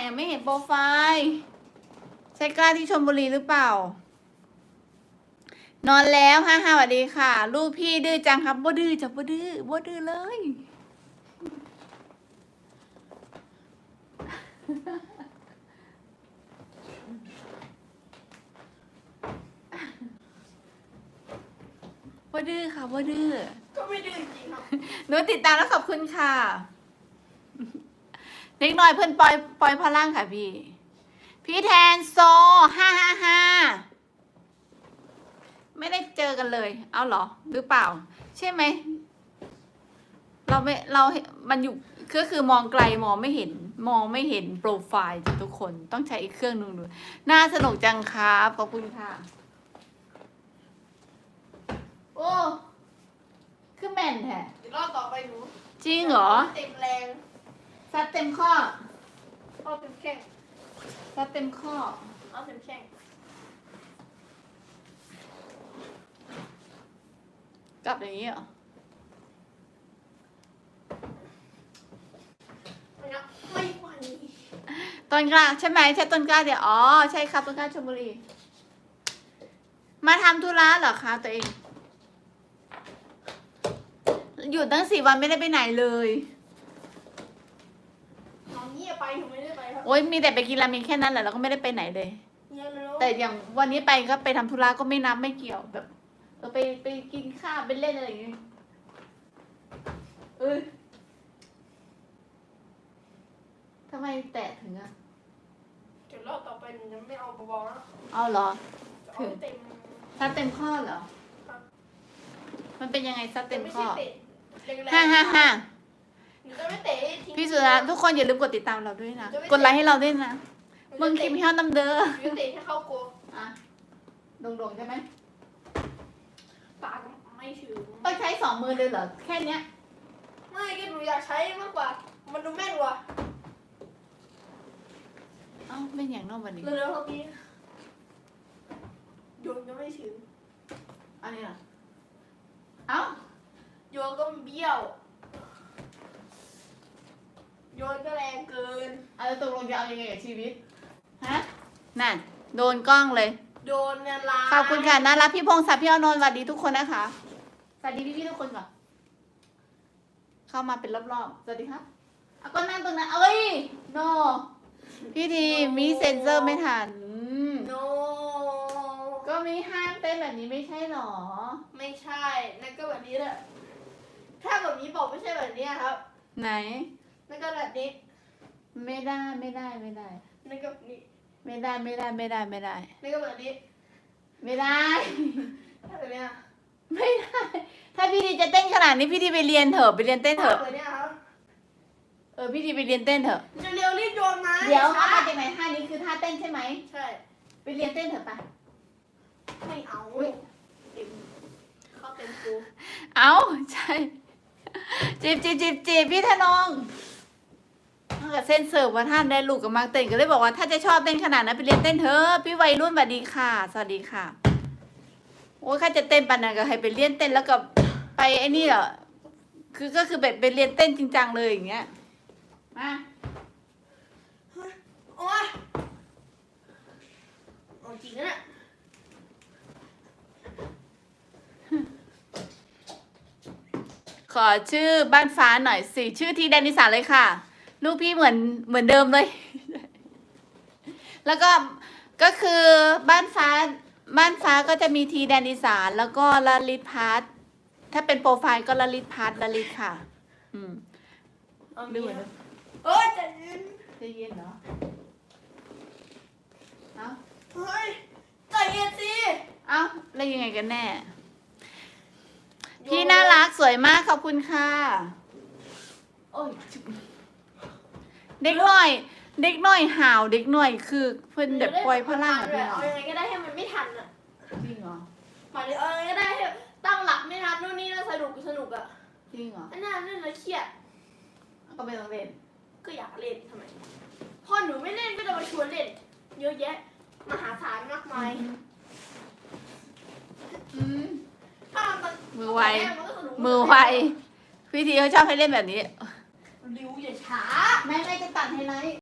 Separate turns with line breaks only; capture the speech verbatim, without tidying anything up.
ไม่เห็นโปรไฟล์ใช่กล้าที่ชลบุรีหรือเปล่า นอนแล้วฮ่าฮ่าสวัสดีค่ะ ลูกพี่ดื้อจังครับบ่ดื้อจะบ่ดื้อบ่ดื้อเลยบ่ดื้อค่ะบ่ดื้อ
ก็ไม่ดื้อจริงครับ
หนูติดตามแล้วขอบคุณค่ะเล็กน้อยเพื่อนปล่อยปล่อยพลังค่ะพี่ พี่แทนโซห้าห้าห้าไม่ได้เจอกันเลย เอาเหรอ หรือเปล่า ใช่ไหม เราไม่เรามันอยู่ก็คือมองไกลมองไม่เห็น มองไม่เห็นโปรไฟล์ทุกคนต้องใช้อีกเครื่องนึงดูน่าสนุกจังครับขอบคุณค่ะ โอ้คือแม่นแท้
เดี๋ยวรอบต่อไปหนู
จริงเหรอ
เต็มแรง
ซัดเต็มข้อ
เอาเต็มแข้ง
ซัดเต็มข้อ
เอาเต็มแข้ง
กลับอย่างนี้เหรอ
ไม่นะไม่ไหว
ต้นกล้าใช่ไหมใช่ต้นกล้าเดี๋ยวอ๋อใช่ครับต้นกล้าชลบุรี มาทำธุระเหรอคะตัวเอง หยุดตั้งสี่วันไม่ได้ไปไหนเลย
น้องเงียบไปหนูไม่ได้ไปครับ
โอ๊ยมีแต่ไปกินราเมงแค่นั้นแหละแล้วก็ไม่ได้ไปไหนเลย
เงียบเลย
แต่อย่างวันนี้ไปก็ไปทำธุระก็ไม่นับไม่เกี่ยวแบบเออไปไปกินข้าวไปเล่นอะไรอย่างเงี้ยเออทำไมแตะถึงอะ
เดี๋ยวรอบต่อไปหนูจะไม่เอาเบาๆแล้ว
เอาเหรอ
จะเอาเต็ม
ซัดเต็มข้อเหรอ
ครับ
มันเป็นยังไงซัดเต็ม
ไม่
ข้
ใช่
อ
เตะแรงๆ
ห้าห้าห้า
หนูจะไม่เตะทิ้ง
พี่สุรัตน์ทุกคนอย่าลืมกดติดตามเราด้วยนะ
จะไม่
กดไลค์ให้เราด้วยนะ
หนู
มึง
จะ
คิ
เตะ
มเฮียวน้ำเด้อ
หนูจะเตะให้เข้าโกล
อ่ะโด่งๆใช่ไหม
ปากไม่ถึง
ต้องใช้สองมือเลยเหรอ แค่เนี้ย
ไม่ก็หนูอยากใช้มากกว่า มันดูแม่นกว่า
เอ้าเป็นอย่างนอกวันนี้
เร็วๆครับพี่โยนก็ไม่ถึง
อันนี้เหรอ เอ้า
โยนก็เบี้ยว โยนก็แรงเกิน
เอาแล้วตกลงจะเอายังไงกับชีวิต ฮะ นั่น โดนกล้องเลย
โดนเนี่ยลาย
ขอบคุณค่ะน่ารักพี่พงศักดิ์พี่อานนท์สวัสดีทุกคนนะคะ สวัสดีพี่ๆทุกคนก่อน เข้ามาเป็นรอบๆ สวัสดีครับเอาก็นั่งตรงนั้น เอ้ย โน พี่ทีมีเซ็นเซอร์ไม่ทันอืม
โน
ก็มีห้ามเต้นแบบนี้ไม่ใช่หรอ
ไม่ใช่ นั่นก็แบบนี้แหละ ถ้าแบบนี้บอกไม่ใช่แบบนี้ครับ
ไหน
นั่นก็แบบนี้
ไม่ได้ไม่ได้ไม่ได้
นั่นก็แบบนี้
ไม่ได้ไม่ได้ไม่ได้ไม่ได้
นั่นก็แบบนี้
ไม่ได้
ถ้าแบบเนี้ย
ไม่ได้ ถ้าพี่ดีจะเต้นขนาดนี้พี่ดีไปเรียนเถอะไปเรียนเต้นเถอะ
แบบเนี้ยครับ
เออพี่ดีไปเรียนเต้นเถอะ
เร็วๆรีบโยนมา
เดี๋ยว
ช้า
เอามาจากไหนท่านี้คือท่าเต้นใช่ไหม
ใช่
ไปเรียนเต้นเถอะไป
ไม่เอา
อุ๊ย
เต็มเข้าเต็มกู
เอาใช่จีบจีบจีบจีบพี่ธนงถ้าเกิดเส้นเสิร์ฟว่าท่านได้ลูกกับมาเต้นก็เลยบอกว่าถ้าจะชอบเต้นขนาดนั้นไปเรียนเต้นเถอะพี่วัยรุ่นสวัสดีค่ะ สวัสดีค่ะโอ้ยข้าจะเต้นปันนั้นก็ให้ไปเรียนเต้นแล้วก็ไปไอ้นี่เหรอคือก็คือแบบไปเรียนเต้นจริงจังเลยอย่างเงี้ยมา
โอ๊ยเอาจริงนะเนี่ย
ขอชื่อบ้านฟ้าหน่อยสิชื่อทีแดนนิสาเลยค่ะ ลูกพี่เหมือนเหมือนเดิมเลย แล้วก็ก็คือบ้านฟ้าบ้านฟ้าก็จะมีทีแดนนิสานแล้วก็ลลิตพัทถ้าเป็นโปรไฟล์ก็ลลิตพัทลลิตค่ะ อืม
เอา
ดู
งี้
เหมือน
ค
เดิ
รับ
ม
เอ้ยใจะยืน
จะเย็นเหรอเอ้า
เฮ้ยใจเย็นสิ
เอ้าแล้วยังไงกันแน่ พี่น่ารักสวยมากขอบคุณค่ะ โอ้ยจุ๊บเด็กหน่อย เด็กหน่อยห่าวเด็กหน่อยคือเพิ่นแบบปล่อยพลังอะ
เล
พี่
ย
น้อ
เอา
ง
ยังไงก็ได้ให้มันไม่ทันอ่ะ
จริงเหรอ
หมายถึงเอายังไงก็ได้ให้ตั้งหลักไม่ทันนู่นนี่นั่นสนุกสนุกอ่ะ
จริงเหรอ
อันนั้นเล่นแล้วเครียด
ก็ไม่ต้องเล่น
ก็อยากเล่นทำไมพอหนูไม่เล่นก็จะมาชวนเล่น เยอะแยะ มหาศาลมากมาย
อืม
ถ้ามัน
มือไว
นก็สนุก
มือไวพี่ทีเขาชอบให้เล่นแบบนี้
ริวอย่าช้า
ไม่ไม่จะตัดไฮไลท์